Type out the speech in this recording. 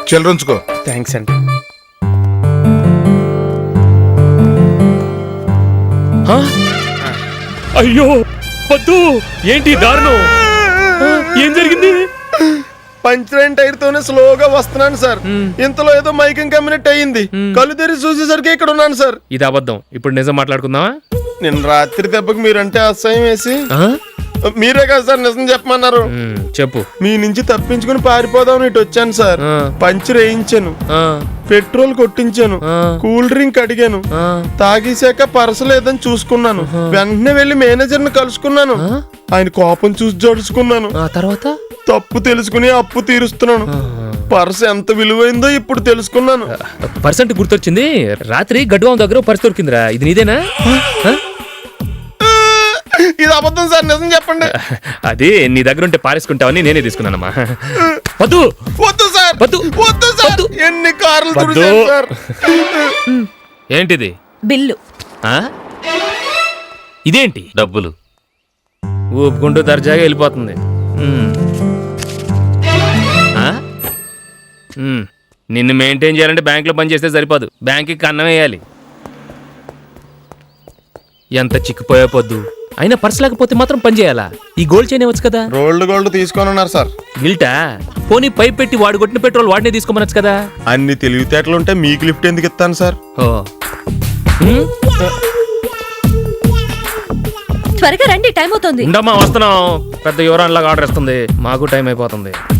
చిల్లరుంచుకో. Thanks అండి. అయ్యో వద్దు, ఏంటి దారుణం? ఏం జరిగింది? పంచరైన టైర్ తోనే స్లోగా వస్తున్నాను సార్. ఇంతలో ఏదో మైకింగ్ కమ్యూనిట్ అయ్యింది. కళ్ళు తెరిచి చూసేసరికి ఇక్కడ ఉన్నాను సార్. ఇది అబద్ధం. ఇప్పుడు నిజం మాట్లాడుకుందామా? నిన్న రాత్రి దెబ్బకి మీరంటే అసహ్యం వేసి మీరే కదా సార్ నిజం చెప్పమన్నారు. చెప్పు. మీ నుంచి తప్పించుకుని పారిపోదాం ఇటు వచ్చాను సార్. పంచర్ వేయించాను, పెట్రోల్ కొట్టించాను, కూల్ డ్రింక్ అడిగాను, తాగేశాక పర్సు లేదని చూసుకున్నాను. వెంటనే వెళ్లి మేనేజర్ ని కలుసుకున్నాను. ఆయన కోపం చూసి జడుచుకున్నాను. తర్వాత తప్పు తెలుసుకుని అప్పు తీరుస్తున్నాను. పర్సు ఎంత విలువైందో ఇప్పుడు తెలుసుకున్నాను. పర్సెంట్ గుర్తొచ్చింది. రాత్రి గడ్వాం దగ్గర పర్సు దొరికిందిరా. ఇది నీదేనా? ఇది అబద్ధం సార్, నిజం చెప్పండి. అది నీ దగ్గర ఉంటే పారేసుకుంటావని నేనే తీసుకున్నానమ్మా. వద్దు వద్దు సార్, వద్దు వద్దు సార్. ఎన్ని కార్లు తుడిచాను సార్. ఏంటిది? బిల్లు. ఇదేంటి? డబ్బులు. ఊపుకుంటూ దర్జాగా వెళ్ళిపోతుంది. నిన్ను మెయింటైన్ చేయాలంటే బ్యాంకులో పని చేస్తే సరిపోదు, బ్యాంకుకి కన్నం వేయాలి. ఎంత చిక్కిపోయా పొద్దు. అయినా పర్స్ లేకపోతే మాత్రం పని చేయాలా? ఈ గోల్డ్ చైన్ ఇవ్వచ్చు కదా. గోల్డ్ తీసుకొని ఉన్నారు సార్. గిల్టా? పోనీ పైప్ పెట్టి వాడు కొట్టిన పెట్రోల్ వాడినే తీసుకోమనొచ్చు కదా. అన్ని తెలివితేటలు ఉంటే మీకు లిఫ్ట్ ఎందుకు ఇస్తాను సార్? త్వరగా రండి, టైం అవుతుంది. ఉండమ్మా, వస్తున్నాం. పెద్ద యువరాన్లాగా ఆర్డర్ ఇస్తుంది, మాకు టైం అయిపోతుంది.